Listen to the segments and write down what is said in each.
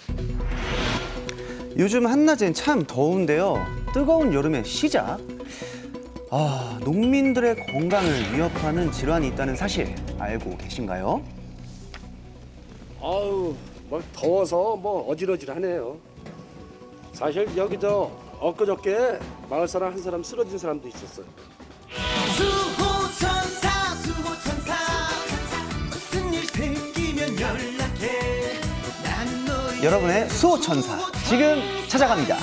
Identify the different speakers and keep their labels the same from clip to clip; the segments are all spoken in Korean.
Speaker 1: 요즘 한낮엔 참 더운데요. 뜨거운 여름의 시작. 농민들의 건강을 위협하는 질환이 있다는 사실 알고 계신가요?
Speaker 2: 아우, 뭐 더워서 뭐 어질어질하네요. 사실 여기 엊그저께 마을 사람 한 사람 쓰러진 사람도 있었어요.
Speaker 3: 수호천사 수호천사 무슨 일 생기면 연락해 나는 너의
Speaker 1: 여러분의 수호천사 지금 찾아갑니다.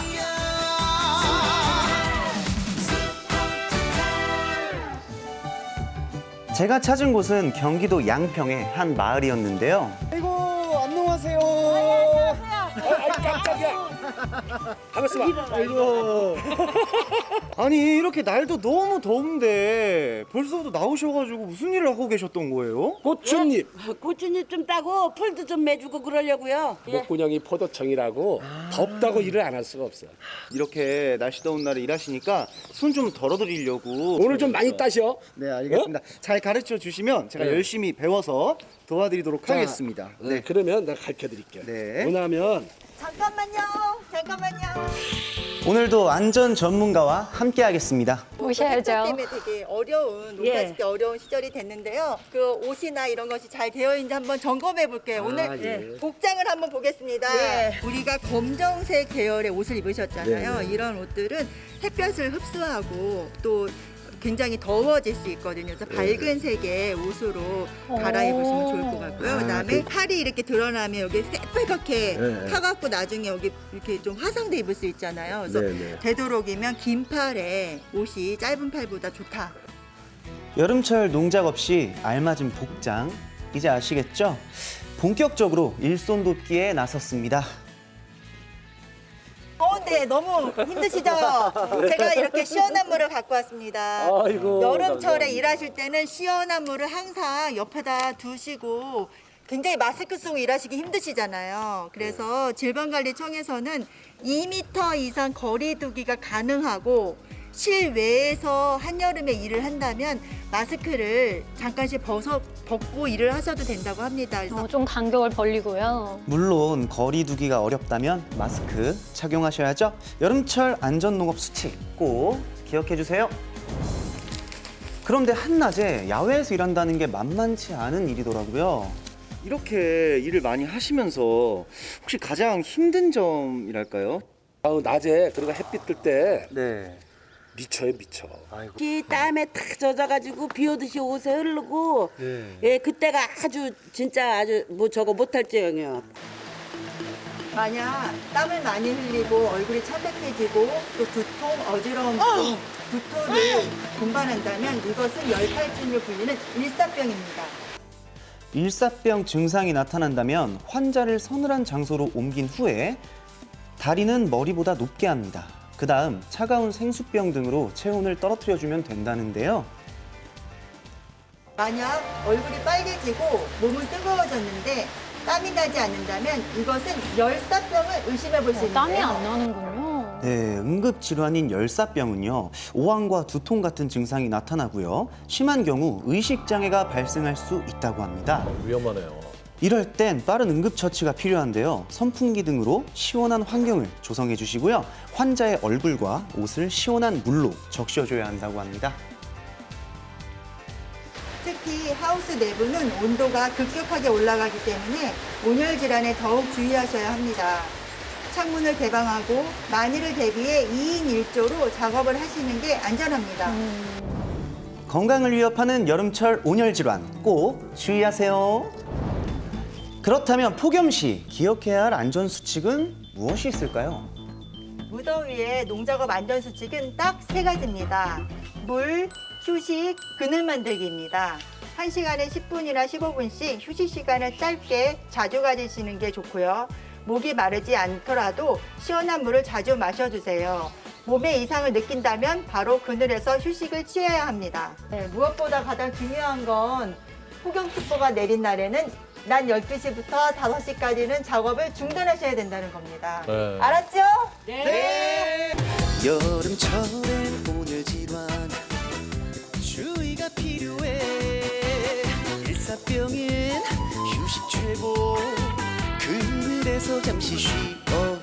Speaker 1: 제가 찾은 곳은 경기도 양평의 한 마을이었는데요.
Speaker 4: 아이고 안녕하세요.
Speaker 2: 깜짝이야. 반갑습니다.
Speaker 4: 아이고. 아니 이렇게 날도 너무 더운데 벌써부터 나오셔가지고 무슨 일을 하고 계셨던 거예요?
Speaker 2: 고추잎,
Speaker 5: 고추잎 좀 따고 풀도 좀 매주고 그러려고요.
Speaker 2: 목구녕이 포도청이라고 덥다고 일을 안 할 수가 없어요.
Speaker 4: 이렇게 날씨 더운 날에 일하시니까 손 좀 덜어드리려고.
Speaker 2: 오늘 좀 많이 따셔.
Speaker 4: 네 알겠습니다. 잘 가르쳐 주시면 제가
Speaker 2: 네.
Speaker 4: 열심히 배워서 도와드리도록 하겠습니다.
Speaker 2: 네, 그러면 내가 가르쳐 드릴게요.
Speaker 4: 네.
Speaker 2: 뭐냐면
Speaker 6: 잠깐만요.
Speaker 1: 오늘도 안전 전문가와 함께 하겠습니다.
Speaker 6: 햇볕 때문에 되게 어려운
Speaker 5: 예.
Speaker 6: 농사짓기 어려운 시절이 됐는데요. 그 옷이나 이런 것이 잘 되어 있는지 한번 점검해 볼게요. 오늘
Speaker 2: 예.
Speaker 6: 복장을 한번 보겠습니다.
Speaker 5: 예.
Speaker 6: 우리가 검정색 계열의 옷을 입으셨잖아요.
Speaker 2: 네, 네.
Speaker 6: 이런 옷들은 햇볕을 흡수하고 또 굉장히 더워질 수 있거든요. 그래서 밝은 색의 옷으로 갈아입으시면 좋을 것 같고요. 그다음에 팔이 이렇게 드러나면 여기 새빨갛게
Speaker 2: 네.
Speaker 6: 타갖고 나중에 여기 이렇게 좀 화상도 입을 수 있잖아요. 그래서
Speaker 2: 네, 네.
Speaker 6: 되도록이면 긴 팔에 옷이 짧은 팔보다 좋다.
Speaker 1: 여름철 농작 없이 알맞은 복장, 이제 아시겠죠? 본격적으로 일손 돕기에 나섰습니다.
Speaker 6: 더운데 너무 힘드시죠? 제가 이렇게 시원한 물을 갖고 왔습니다.
Speaker 2: 아이고,
Speaker 6: 여름철에
Speaker 2: 감사합니다.
Speaker 6: 일하실 때는 시원한 물을 항상 옆에다 두시고 굉장히 마스크 쓰고 일하시기 힘드시잖아요. 그래서 질병관리청에서는 2m 이상 거리 두기가 가능하고 실외에서 한여름에 일을 한다면 마스크를 잠깐씩 벗고 일을 하셔도 된다고 합니다. 그래서
Speaker 7: 좀 간격을 벌리고요.
Speaker 1: 물론 거리 두기가 어렵다면 마스크 착용하셔야죠. 여름철 안전농업 수칙 꼭 기억해 주세요. 그런데 한낮에 야외에서 일한다는 게 만만치 않은 일이더라고요.
Speaker 4: 이렇게 일을 많이 하시면서 혹시 가장 힘든 점이랄까요?
Speaker 2: 아우, 낮에 그리고 햇빛 뜰 때
Speaker 4: 네.
Speaker 2: 미쳐요, 미쳐.
Speaker 5: 이 땀에 탁 젖어가지고 비 오듯이 옷에 흐르고 예 그때가 아주 뭐 저거 못할 지경이요.
Speaker 6: 만약 땀을 많이 흘리고 얼굴이 창백해지고 또 두통, 어지러움, 두통을 동반한다면 이것은 열팔진으로 불리는 일사병입니다.
Speaker 1: 일사병 증상이 나타난다면 환자를 서늘한 장소로 옮긴 후에 다리는 머리보다 높게 합니다. 그 다음 차가운 생수병 등으로 체온을 떨어뜨려주면 된다는데요.
Speaker 6: 만약 얼굴이 빨개지고 몸은 뜨거워졌는데 땀이 나지 않는다면 이것은 열사병을 의심해 볼 수 있는데요.
Speaker 7: 땀이 안 나는군요.
Speaker 1: 네, 응급질환인 열사병은요, 오한과 두통 같은 증상이 나타나고요. 심한 경우 의식장애가 발생할 수 있다고 합니다.
Speaker 8: 위험하네요.
Speaker 1: 이럴 땐 빠른 응급처치가 필요한데요. 선풍기 등으로 시원한 환경을 조성해 주시고요. 환자의 얼굴과 옷을 시원한 물로 적셔줘야 한다고 합니다.
Speaker 6: 특히 하우스 내부는 온도가 급격하게 올라가기 때문에 온열 질환에 더욱 주의하셔야 합니다. 창문을 개방하고 만일을 대비해 2인 1조로 작업을 하시는 게 안전합니다.
Speaker 1: 건강을 위협하는 여름철 온열 질환 꼭 주의하세요. 그렇다면 폭염시 기억해야 할 안전수칙은 무엇이 있을까요?
Speaker 6: 무더위에 농작업 안전수칙은 딱 3가지입니다. 물, 휴식, 그늘 만들기입니다. 1시간에 10분이나 15분씩 휴식 시간을 짧게 자주 가지시는 게 좋고요. 목이 마르지 않더라도 시원한 물을 자주 마셔주세요. 몸에 이상을 느낀다면 바로 그늘에서 휴식을 취해야 합니다. 네, 무엇보다 가장 중요한 건 폭염특보가 내린 날에는 낮 12시부터 5시까지는 작업을 중단하셔야 된다는 겁니다.
Speaker 8: 네.
Speaker 6: 알았죠?
Speaker 3: 여름철엔 온열 질환 주의가 필요해 일사병엔 휴식 최고 그늘에서 잠시 쉬어요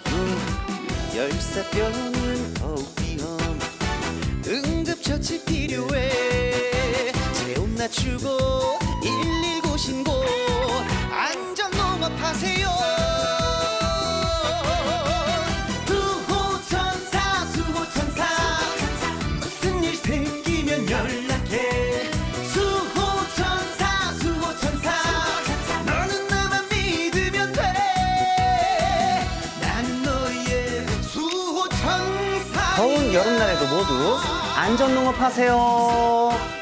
Speaker 3: 열사병은 더욱 위험 응급처치 필요해 체온 낮추고 119 신고 안전농업하세요 수호천사 수호천사 무슨 일 생기면 연락해 수호천사 수호천사 너는 나만 믿으면 돼 나는 너의 수호천사
Speaker 1: 더운 여름날에도 모두 안전농업 하세요.